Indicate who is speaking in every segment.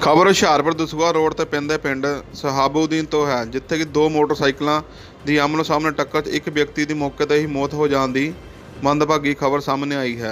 Speaker 1: ਖਬਰ ਹੁਸ਼ਿਆਰਪੁਰ ਦਸੂਹਾ ਰੋਡ ਤੇ ਪੈਂਦੇ ਪਿੰਡ ਸਹਾਬੂਦੀਨ ਤੋਂ ਹੈ, ਜਿੱਥੇ ਕਿ ਦੋ ਮੋਟਰਸਾਈਕਲਾਂ ਦੀ ਆਮਨੋ ਸਾਹਮਣੇ ਟੱਕਰ 'ਚ ਇੱਕ ਵਿਅਕਤੀ ਦੀ ਮੌਕੇ ਤੇ ਹੀ ਮੌਤ ਹੋ ਜਾਣ ਦੀ ਮੰਦਭਾਗੀ ਖਬਰ ਸਾਹਮਣੇ ਆਈ ਹੈ।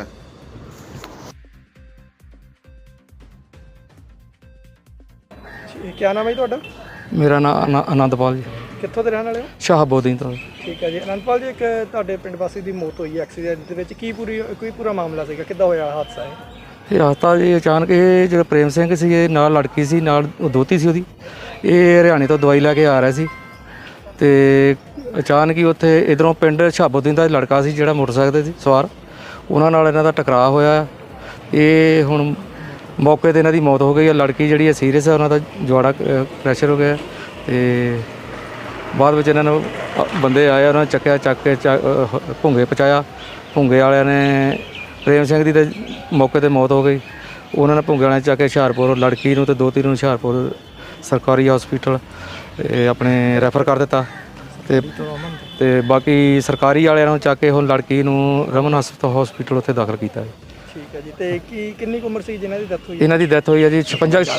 Speaker 2: क्या नाम है जी ਤੁਹਾਡਾ?
Speaker 3: ਮੇਰਾ ਨਾਮ ਆਨੰਦਪਾਲ ਜੀ,
Speaker 2: ਕਿੱਥੋਂ ਦੇ ਰਹਿਣ ਵਾਲੇ ਹੋ?
Speaker 3: ਸ਼ਾਹਬੂਦੀਨ ਤੋਂ।
Speaker 2: ਠੀਕ ਹੈ ਜੀ। ਆਨੰਦਪਾਲ ਜੀ, ਇੱਕ ਤੁਹਾਡੇ ਪਿੰਡ ਵਾਸੀ ਦੀ ਮੌਤ ਹੋਈ ਹੈ ਐਕਸੀਡੈਂਟ ਦੇ ਵਿੱਚ, ਕੋਈ ਪੂਰਾ ਮਾਮਲਾ ਸੀਗਾ, ਕਿੱਦਾਂ ਹੋਇਆ ਹਾਦਸਾ ਇਹ?
Speaker 3: ਇਹ ਹਾਦਸਾ ਜੀ ਅਚਾਨਕ, ਇਹ ਜਿਹੜਾ ਪ੍ਰੇਮ ਸਿੰਘ ਸੀ, ਇਹ ਨਾਲ ਲੜਕੀ ਸੀ, ਨਾਲ ਦੋਤੀ ਸੀ ਉਹਦੀ। ਇਹ ਹਰਿਆਣੇ ਤੋਂ ਦਵਾਈ ਲੈ ਕੇ ਆ ਰਿਹਾ ਸੀ ਤੇ ਅਚਾਨਕ ਹੀ ਉੱਥੇ ਇਧਰੋਂ ਪਿੰਡ ਸ਼ਾਹਬੂਦੀਨ ਦਾ ਲੜਕਾ ਸੀ ਜਿਹੜਾ ਮੋਟਰਸਾਈਕਲ ਤੇ ਸੀ ਸਵਾਰ, ਉਹਨਾਂ ਨਾਲ ਇਹਨਾਂ ਦਾ ਟਕਰਾਅ ਹੋਇਆ। ਇਹ ਹੁਣ ਮੌਕੇ ਤੇ ਇਹਨਾਂ ਦੀ ਮੌਤ ਹੋ ਗਈ ਹੈ। ਲੜਕੀ ਜਿਹੜੀ ਹੈ ਸੀਰੀਅਸ ਹੈ, ਉਹਨਾਂ ਦਾ ਜਵਾੜਾ ਪ੍ਰੈਸ਼ਰ ਹੋ ਗਿਆ ਤੇ ਬਾਅਦ ਵਿੱਚ ਇਹਨਾਂ ਨੂੰ ਬੰਦੇ ਆਏ, ਉਹਨਾਂ ਨੇ ਚੱਕ ਕੇ ਭੁੰਗੇ ਪਹੁੰਚਾਇਆ। ਭੁੰਗੇ ਵਾਲਿਆਂ ਨੇ ਪ੍ਰੇਮ ਸਿੰਘ ਦੀ ਤਾਂ ਮੌਕੇ ਤੇ ਮੌਤ ਹੋ ਗਈ। ਉਹਨਾਂ ਨੇ ਭੁੰਗੇ ਵਾਲਿਆਂ ਨੇ ਚੱਕ ਕੇ ਹੁਸ਼ਿਆਰਪੁਰ ਲੜਕੀ ਨੂੰ ਤੇ ਦੋਤੀ ਨੂੰ ਹੁਸ਼ਿਆਰਪੁਰ ਸਰਕਾਰੀ ਹਸਪੀਟਲ ਆਪਣੇ ਰੈਫਰ ਕਰ ਦਿੱਤਾ ਤੇ ਬਾਕੀ ਸਰਕਾਰੀ ਵਾਲਿਆਂ ਨੂੰ ਚੱਕ ਕੇ ਹੁਣ ਲੜਕੀ ਨੂੰ ਰਮਨ ਹਸਪੀਟਲ ਉੱਥੇ ਦਾਖਲ ਕੀਤਾ ਹੈ।
Speaker 2: ਠੀਕ ਹੈ ਜੀ। ਤੇ ਕਿੰਨੀ ਕੁ ਉਮਰ ਸੀ ਜਿਨ੍ਹਾਂ ਦੀ ਡੈਥ ਹੋਈ?
Speaker 3: ਇਹਨਾਂ ਦੀ ਡੈਥ ਹੋਈ ਹੈ ਜੀ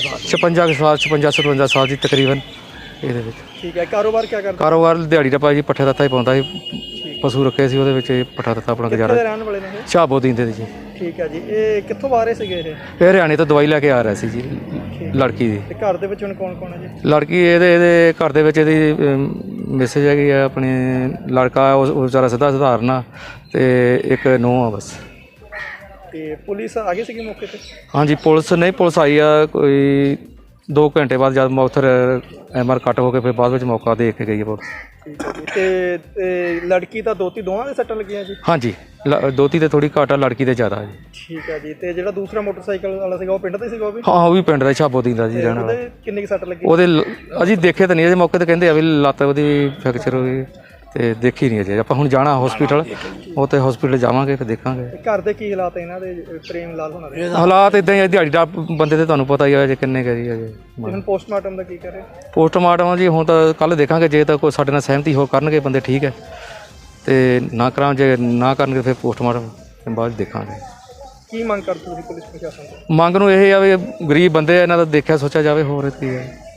Speaker 3: 56 ਸਾਲ ਦੀ ਤਕਰੀਬਨ ਇਹਦੇ ਵਿੱਚ।
Speaker 2: ਠੀਕ ਹੈ। ਕਾਰੋਬਾਰ ਕੀ ਕਰਦਾ?
Speaker 3: ਕਾਰੋਬਾਰ ਦਿਹਾੜੀ ਦਾ ਭਾਅ ਜੀ, ਪੱਠੇ ਦੱਤਾ ਹੀ ਪਾਉਂਦਾ ਸੀ, ਪਸ਼ੂ ਰੱਖੇ ਸੀ, ਉਹਦੇ ਵਿੱਚ ਇਹ ਪੱਠਾ ਦੱਤਾ ਆਪਣਾ ਗੁਜ਼ਾਰਾ।
Speaker 2: ਕਿੱਥੇ ਦੇ ਰਹਿਣ ਵਾਲੇ ਨੇ ਇਹ?
Speaker 3: ਸ਼ਾਹਬੂਦੀਨ ਦੇ ਜੀ।
Speaker 2: ਠੀਕ ਹੈ ਜੀ। ਇਹ ਕਿੱਥੋਂ ਆ ਰਹੇ ਸੀਗੇ ਇਹ?
Speaker 3: ਇਹ ਹਰਿਆਣੇ ਤੋਂ ਦਵਾਈ ਲੈ ਕੇ ਆ ਰਿਹਾ ਸੀ ਜੀ ਲੜਕੀ ਦੀ।
Speaker 2: ਤੇ ਘਰ ਦੇ ਵਿੱਚ ਹੁਣ ਕੌਣ ਕੌਣ ਹੈ ਜੀ?
Speaker 3: ਲੜਕੀ ਇਹਦੇ ਘਰ ਦੇ ਵਿੱਚ ਇਹਦੀ ਮੈਸੇਜ ਹੈਗੀ ਆ, ਆਪਣੇ ਲੜਕਾ ਉਹ ਵਿਚਾਰਾ ਸਧਾਰਨ ਆ ਤੇ ਇੱਕ ਨੂੰਹ ਆ ਬਸ।
Speaker 2: ਤੇ ਪੁਲਿਸ ਆ ਗਈ ਸੀਗੀ ਮੌਕੇ ਤੇ?
Speaker 3: ਹਾਂਜੀ, ਪੁਲਿਸ ਆਈ ਆ ਕੋਈ 2 ਘੰਟੇ ਬਾਅਦ, ਜਦ ਉੱਥੇ MR ਕੱਟ ਹੋ ਕੇ ਫਿਰ ਬਾਅਦ ਵਿੱਚ ਮੌਕਾ ਦੇਖ ਕੇ ਗਈ ਹੈ ਪੁਲਿਸ।
Speaker 2: ਠੀਕ ਹੈ ਜੀ। ਤੇ ਲੜਕੀ ਤਾਂ ਦੋਤੀ ਦੋਵਾਂ ਦੇ ਸੱਟਾਂ ਲੱਗੀਆਂ ਜੀ?
Speaker 3: ਹਾਂਜੀ, ਦੋਤੀ ਤੇ ਥੋੜੀ ਘੱਟ ਆ, ਲੜਕੀ ਤੇ ਜ਼ਿਆਦਾ ਜੀ।
Speaker 2: ਠੀਕ ਹੈ ਜੀ। ਤੇ ਜਿਹੜਾ ਦੂਸਰਾ ਮੋਟਰਸਾਈਕਲ ਵਾਲਾ ਸੀਗਾ ਉਹ ਪਿੰਡ ਦਾ ਸੀਗਾ? ਉਹ ਵੀ?
Speaker 3: ਹਾਂ, ਉਹ ਵੀ ਪਿੰਡ ਦਾ ਸ਼ਾਹਬੂਦੀਨ ਦਾ ਜੀ ਰਹਿਣ ਵਾਲਾ।
Speaker 2: ਕਿੰਨੀ ਕੁ ਸੱਟ ਲੱਗੀ?
Speaker 3: ਉਹਦੇ ਅਜੇ ਦੇਖੇ ਤਾਂ ਨਹੀਂ, ਅਜੇ ਮੌਕੇ ਤੇ ਕਹਿੰਦੇ ਆ ਵੀ ਲੱਤ ਉਹਦੀ ਫ੍ਰੈਕਚਰ ਹੋ ਗਈ ਤੇ ਦੇਖੀ ਨਹੀਂ ਅਜੇ। ਆਪਾਂ ਹੁਣ ਜਾਣਾ ਹਸਪੀਟਲ, ਉੱਥੇ ਹਸਪੀਟਲ ਜਾਵਾਂਗੇ ਫਿਰ ਦੇਖਾਂਗੇ।
Speaker 2: ਘਰ ਦੇ ਕੀ ਹਾਲਾਤ ਇਹਨਾਂ ਦੇ? ਪ੍ਰੇਮ ਲਾਲ ਹੋਣਾ ਦੇ
Speaker 3: ਹਾਲਾਤ ਇਦਾਂ ਹੀ ਆ, ਦਿਹਾੜੀ ਦਾ ਬੰਦੇ ਤੇ ਤੁਹਾਨੂੰ ਪਤਾ ਹੀ ਆ ਜੇ ਕਿੰਨੇ ਕਰੀ ਅਜੇ।
Speaker 2: ਹੁਣ ਪੋਸਟਮਾਰਟਮ ਦਾ ਕੀ ਕਰੇ?
Speaker 3: ਪੋਸਟਮਾਰਟਮ ਜੀ ਹੁਣ ਤਾਂ ਕੱਲ੍ਹ ਦੇਖਾਂਗੇ, ਜੇ ਤਾਂ ਕੋਈ ਸਾਡੇ ਨਾਲ ਸਹਿਮਤੀ ਹੋ ਕਰਨਗੇ ਬੰਦੇ ਠੀਕ ਹੈ, ਤੇ ਨਾ ਕਰਾਂ ਜੇ ਨਾ ਕਰਨਗੇ ਫਿਰ ਪੋਸਟਮਾਰਟਮ ਬਾਅਦ ਦੇਖਾਂਗੇ।
Speaker 2: ਕੀ ਮੰਗ ਕਰਦੇ ਤੁਸੀਂ ਪੁਲਿਸ ਪ੍ਰਸ਼ਾਸਨ ਤੋਂ?
Speaker 3: ਮੰਗ ਨੂੰ ਇਹ ਆ ਵੀ ਗਰੀਬ ਬੰਦੇ ਆ, ਇਹਨਾਂ ਦਾ ਦੇਖਿਆ ਸੋਚਿਆ ਜਾਵੇ, ਹੋਰ ਕੀ ਹੈ।